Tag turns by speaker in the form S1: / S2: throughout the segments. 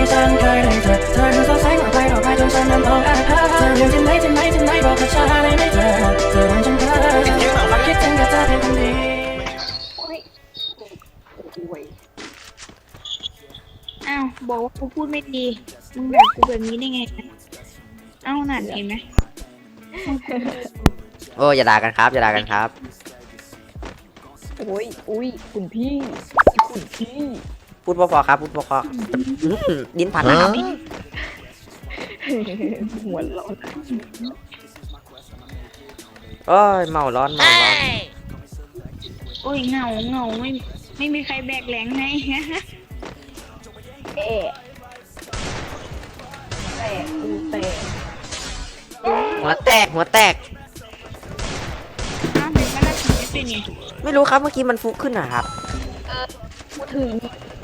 S1: ฉันเคยเลยเธอดูสดใสกว่าใครต่อไปจนฉันนั้นต้องการเธอเรื่องที่ไหนบอกกับฉันได้ไหมเธอทำฉันเพ้อคิดถึงแต่เธอเป็นคนดี
S2: อ้าวบอกว่ากูพูดไม่ดีมึงด่ากูแบบนี้ได้ไงอ้าวนั่นเห็นไหม
S3: โอ้อย่าด่ากันครับอย่าด่ากันครับ
S4: โอ้ยอุ้ยคุณพี่คุณพี่
S3: พูดพอๆครับพูดพอๆดิ้นผัดนะครับ
S4: หัวเราะ
S3: โอ้ยเมาร้อนเมาร้อน
S2: โอ้ยเหงาไม่มีใครแบกแรงให้
S4: เอ๊ะแตกกูแตก
S3: หัวแตกหัวแตก
S2: อ้าวเป็นว่าเราถึงจะเป็นไง
S3: ไม่รู้ครับเมื่อกี้มันฟุกขึ้นนะครับ
S4: พูดถึง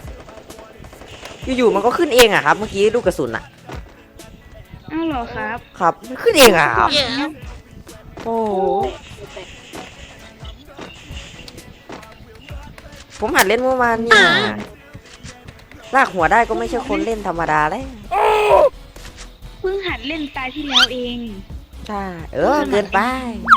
S3: อยู่ๆมันก็ขึ้นเองอะครับ เมื่อกี้ลูกกระสุนอะ
S2: อ้าวเหรอครับ
S3: ครับมันขึ้นเองอะครับโอ้โหผมหัดเล่นเมื่อวานเนี่ยลากหัวได้ก็ไม่ใช่คนเล่นธรรมดาเลย
S2: เพิ่งหัดเล่นตาที่แล้วเอง
S3: ใช่เกินไป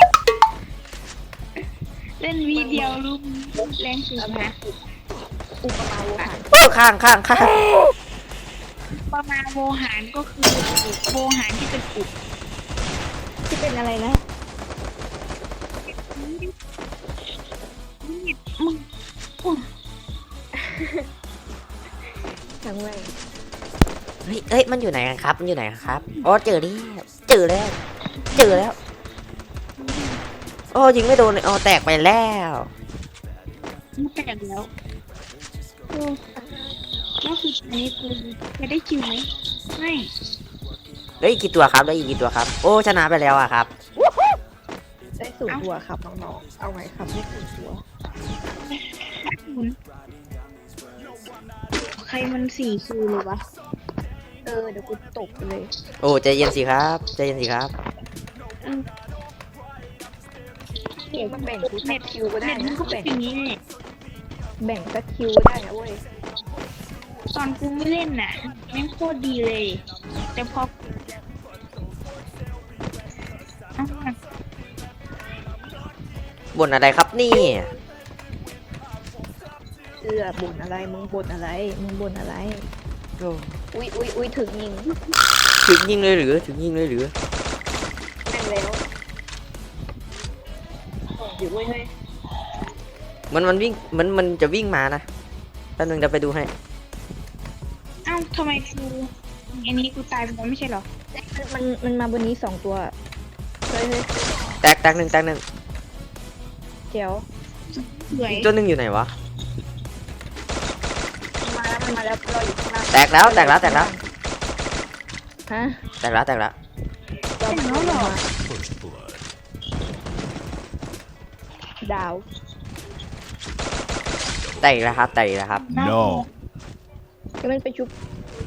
S2: เล่นวีเดียวรู้แรงสุดนะ
S4: อุปมาโวหาร
S3: โอ้ข้าง
S2: ประมาณโวหารก็คือโวหารที่เป็นอุบ
S4: ที่เป็นอะไรนะ
S2: มึงอุ๊ย
S4: ทั้งแม่ง
S3: เฮ้ยมันอยู่ไหนกันครับมันอยู่ไหนกันครับอ๋อเจอแล้วโอ้ยิงไม่โดนเลยอ๋อแตกไปแล้ว
S2: มึงแตกแล้วโอ้ก็คืออันนี้กูจะได้คิวไหมไม่
S3: ได้อีกกี่ตัวครับได้อีกกี่ตัวครับโอ้ชนะไปแล้วอะครับ
S4: ได้สูตรตัวครับน้องๆเอาไงครับได้สูตรตัว
S2: ใครมัน4 คิวเลยวะ
S4: เดี๋ยวกูตกไปเลย
S3: โอ้ใจเย็นสิครับใจเย็นสิครับ
S4: เดี๋ยวแบ่งกูสักคิวก็ได้
S2: เน็ตมึ
S4: นะ
S2: งก็เป็นอย่างนี้เลย
S4: แบ่งสักคิวก็ได้นะเว้ย
S2: ตอนกูไม่เล่นน่ะแม่งโคตรดีเลย แต่พออ้าว
S3: บ่นอะไรครับนี่
S4: บ่นอะไรมึงบ่นอะไรมึงบ่นอะไร
S3: โอ้
S4: อุ้ยถึงยิง
S3: ถึงยิงเลยหรือถึงยิงเลยหรือ
S4: แม่งแล้วอยู่เว้ยเฮ้ย
S3: มันวิ่งมันจะวิ่งมานะแป๊บนึงเดี๋ยวไปดูให้
S2: อ้าวทำไมกูอันนี้กูตายไปแล้วไม่ใช่เหรอ
S4: มันมาบนนี้2 ตัวเฮ้ย
S3: แตกหนึ่ง
S4: เจ๋ว
S2: สวย
S3: อีกตัวหนึ่งอยู่ไหนวะ
S4: มันมาแล้วรออยู่ข้างล่าง
S3: แตกแล้ว
S4: ฮะ
S3: แตกแล้ว
S2: เป็นแล้วเหรอ
S4: ดาว
S3: แตกแล้วครับ
S5: No
S4: ก็มันไปชุบ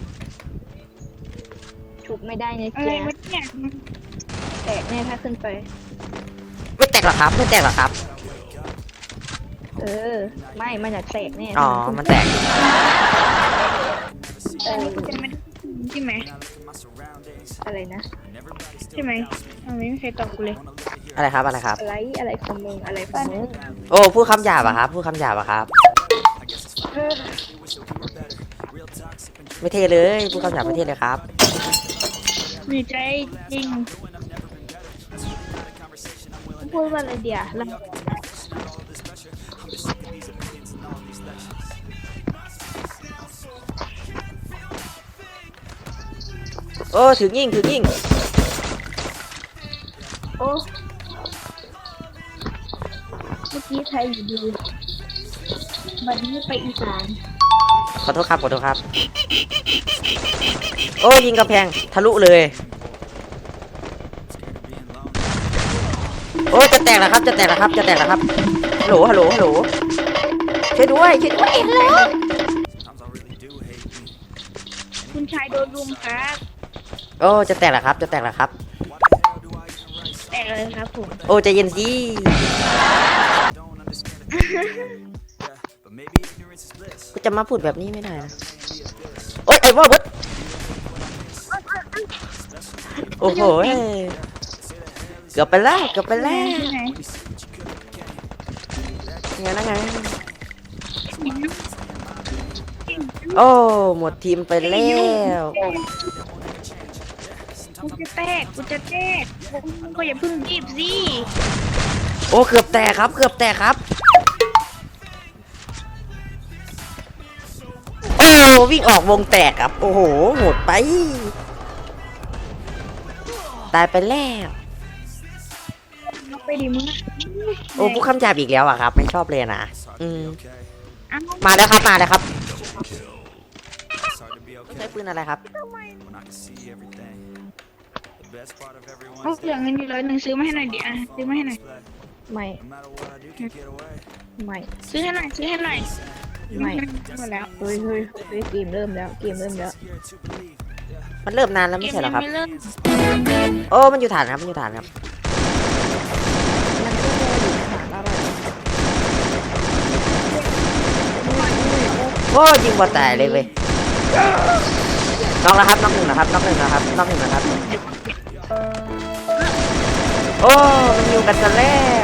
S4: ไม่ได้เนี่ย
S2: อะไร
S4: เจ๊
S2: วะเนี่ย
S4: แตกแน่ถ้าขึ้นไป
S3: ไม่แตกหรอครับ
S4: ไม่มันอยากแตกแน่
S3: อ๋อมันแตก
S2: อันนี้กูจะไม่ได้ใช่ไหม
S4: อะไรนะ
S2: ใช่ไหมไม่มีใครตอบกูเลย
S3: อะไรครับ
S4: อะไรของมึงอะไรของมึง
S3: โอ้พูดคำหยาบอะครับไม่เท่เลยพูดคำหยาบไม่เท่เลยครับ
S2: มีใจจริงพูดว่าอะไรเดียวเรา
S3: โอ้ถึงยิง
S2: โอ้เมื่อกี้ไทยอยู่ดีวันนี้ไปอีสาน
S3: ขอโทษครับโอ้ยิงกำแพงทะลุเลยโอ้จะแตกแล้วครับฮัลโหลช่วยด้วยฮัลโหล
S2: คุณชายโดนรุมครับ
S3: โอ้จะแตกแล้วครับ
S2: แต่เลยครับผม
S3: โอ้ใจเย็นสิ ก็จะมาพูดแบบนี้ไม่ได้นะโอ้ยไอ้วอลเบิร์ดโอ้โหเกือบไปแล้วเกือบไปแล้ว
S2: ที่ไหน
S3: ไงนะไงโอ้หมดทีมไปแล้ว
S2: กูจะแตกมึงก็อย่าเพิ่งรีบสิ
S3: โอ้เกือบแตกครับเกือบแตกครับโอ้วิ่งออกวงแตกครับโอ้โหหมดไปตายไปแล้ว
S2: เอาไปดิมึงอะ
S3: โอ้ผู้คำหยาบอีกแล้วอะครับไม่ชอบเลยนะ
S2: เอา
S3: มาแล้วครับมาแล้วครับใช้ปืนอะไรครับ
S2: เขาเหลือเงินอยู่100ซื้อมาให้หน่อยดิอ่ะซื้อมาให้หน่อย
S4: ไม่ไม่
S2: ซื้อให้หน่อย
S4: ไม่
S2: หมดแล้ว
S4: เฮ้ยเฮ้ยเฮ้ยเกมเริ่มแล้วเกมเริ่มแล้ว
S3: มันเริ่มนานแล้วไม่ใช่เหรอครับ
S2: ไม่เริ่ม
S3: โอ้มันอยู่ฐานครับมันอยู่ฐานครับ
S4: มันก็รออยู่หาอะไร
S3: โอ้ยิงบอลตายเลยเว้ยน็อกแล้วครับน็อกหนึ่งนะครับน็อกหนึ่งนะครับน็อกหนึ่งนะครับโอ้มันอยู่กันซะแล้ว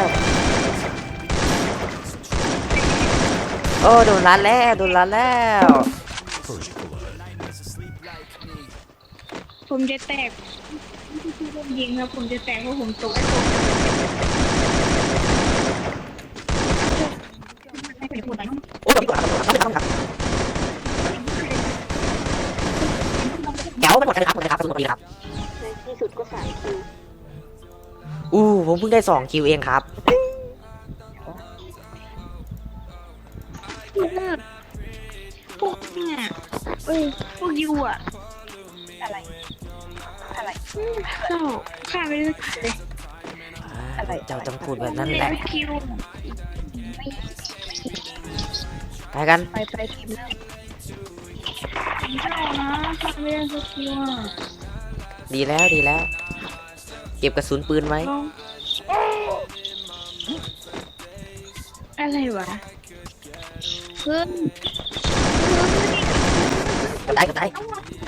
S3: โอ้โดนรัดแล้วโดนรัดแล้ว
S2: ผมจะแตกที่ผมยิงครับผมจะแตกเพราะผมตกให้ผมพูดหน่อย
S3: โอ้ยน็อกหนึ่งครับเดี๋ยวมันหมดเลยครับหมดเลยครับหมดเลยครับ
S4: ในที่สุดก็3 คิว
S3: ผมเพิ่งได้2 คิวเองครับ
S2: พวกเนี่ยพวกยูอะ
S4: อะไรอะไร
S2: เจ้าฆ่าไปเลย
S4: อะไร
S3: เจ้าต้องพูดแบบนั้นแห
S2: แล้
S3: ละ
S2: วคิว
S3: ไปกัน
S4: ไปทีมเริ่ม
S2: เจ้านะฆ่าไม่ได้สักคิวอะ
S3: ดีแล้วดีแล้ว เก็บกระสุนปืนไว้
S2: อะไรวะเพิ่ม
S3: ตายก็ตาย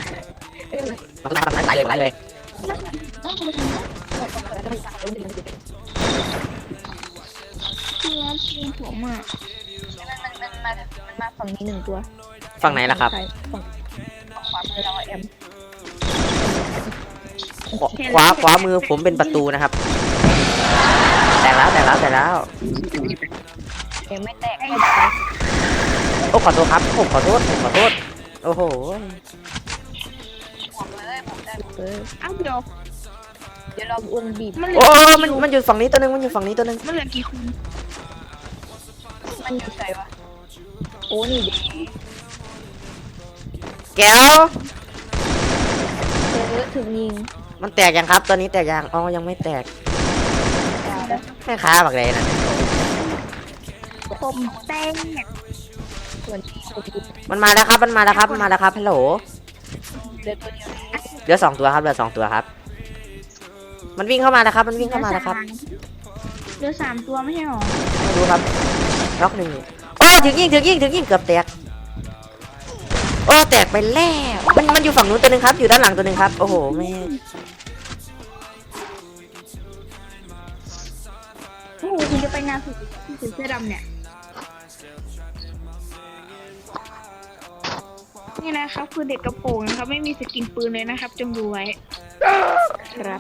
S3: ตายเลยตายเลย
S2: คือว่าทีมผมอ่ะ
S4: มันมาฝั่งนี้1 ตัว
S3: ฝั่งไหนล่ะครับ
S4: ฝั่งขวามือเราแอม
S3: ขวามือผมเป็นประตูนะครับ แตกแล้วแตกแล้วแตกแล้ว
S4: เอ็มไม่แตก
S3: โอ้ขอโทษครับผมขอโทษโอ้โห
S4: เออ
S2: อ้าวเดี๋ยว
S4: เดี๋ยวเราวงบีบ
S2: มันเหลื
S3: โอ้
S2: อ
S3: มันอยู่ฝั่งนี้ตัวนึงมันอยู่ฝั่งนี้ตัวนึง
S2: มันเหลือกี่คน
S4: มันอยู่ใส่วะโอ้นี่ดิ
S3: แก้ว
S4: ถึงยิง
S3: มันแตกยังครับตอนนี้แตกยังอ๋อยังไม่แตก
S4: ดาวแล้ว
S3: แม่ค้าบักเลยนะ
S2: ผมแตก
S4: ส่วนที่ผมดู
S3: มันมาแล้วครับมันมาแล้วครับมันมาแล้วครับฮัลโหล
S4: เดือตัวเดียว
S3: เหลือ2 ตัวครับเหลือ2 ตัวครับ มันวิ่งเข้ามาแล้วครับมันวิ่งเข้ามาแล้วครับ
S2: เหลือ3 ตัวไม่ใช่หรอ
S3: ไม่รู้ครับล็อก1โอ้ถึงยิงเกือบแตกโอ้แตกไปแล้วมันอยู่ฝั่งนู้นตัวนึงครับอยู่ด้านหลังตัวนึงครับโอ้โหแม่
S2: โอ้โหคุณจะไปงานสุดที่เสื้อดำเนี่ยนี่นะครับคือเด็กกระโปรงนะครับไม่มีสกินปืนเลยนะครับจงดูไว้
S4: ครับ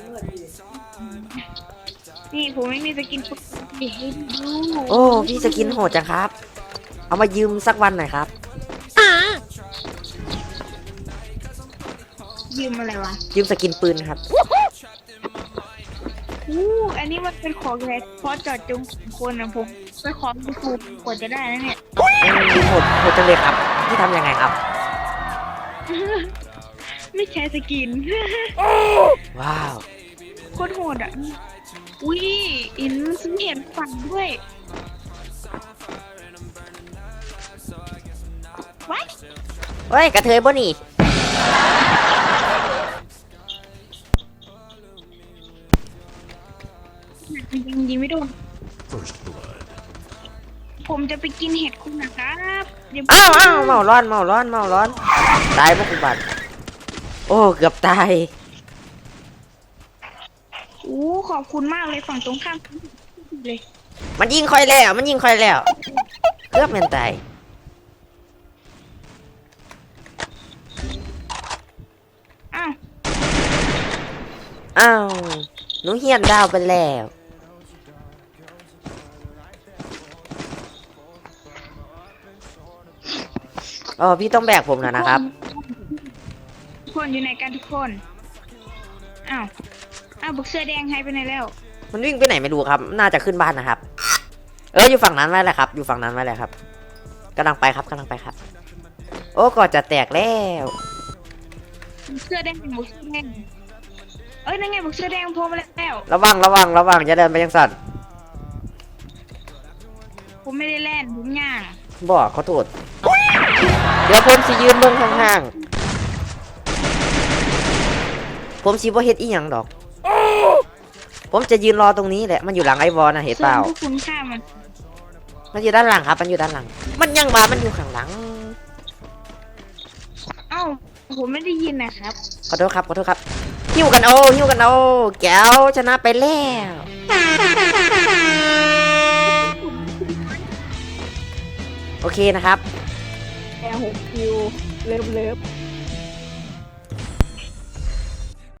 S2: นี่ผมไม่มีสกินปืนเดี๋ยวให้ดู
S3: โอ้พี่สกินโหดจังครับ เอามายืมสักวันหน่อยครับ
S2: ยืมอะไรวะ
S3: ยืมสกินปืนครับ
S2: อันนี้มันเป็นของแท้เพราะเจอดจงคนนะผมไปขอดูถูกกว่าจะได้นะเนี่ย
S3: โหดจังเลยครับพี่ทำยังไงครับ
S2: ไม่ใช่สกิน
S3: ว้าว
S2: โคตรโหดอ่ะอุ้ยอินซึ่งเห็นฝันด้วยว้าย
S3: เฮ้ยกระเทยบ่นี่
S2: ยิงไม่โดนผมจะไปกินเห็ดคุณนะครับอย่า
S3: อ้าวเมาร้อนตายพวกคุณบัตรโอ้เกือบตาย
S2: อู้ขอบคุณมากเลยฝั่งตรงข้ามเลย
S3: มันยิงคอยแล้ว มันยิงคอยแล้วเกือบแม่นตาย
S2: อ้าว
S3: อ้าวหนูเฮียนดาวไปแล้วอ๋อพี่ต้องแบกผมแล้วนะครับ
S2: ทุกคนอยู่ไหนกันทุกคนอ้าวบุกเสื้อแดงหายไปไหนแล้ว
S3: มันวิ่งไปไหนไม่รู้ครับ น่าจะขึ้นบ้านนะครับ อยู่ฝั่งนั้นไว้แหละครับ อยู่ฝั่งนั้นไว้แหละครับกำลังไปครับกำลังไปครับ โอ้ก่อนจะแตกแล้ว
S2: บุกเสื้อแดงบุกเสื้อแดงนั่นไงบุกเสื้อแดงโผล่มาแล้ว
S3: ระวังระวังระวังอย่าเดินไปยังสัตว์
S2: ผมไม่ได้เล่นผมย่าง
S3: บอกขอโทษเดี๋ยวผมสิยืนเบิ่งห่างๆผมสิบ่เฮ็ดอีหยังดอก ผมจะยืนรอตรงนี้แหละ มันอยู่หลังไอ้บอลนะเห็นเปล่า
S2: ส่วนพวกคุณฆ่ามัน
S3: มันอยู่ด้านหลังครับ มันอยู่ด้านหลัง มันยังมามันอยู่ข้างหลัง
S2: เอ้าผมไม่ได้ยินนะครับ
S3: ขอโทษครับ ขอโทษครับ หิ้วกันโอ้หิ้วกันโอ้แก้วชนะไปแล้ว โอเคนะครับ
S4: แอร์6 คิวเลิฟ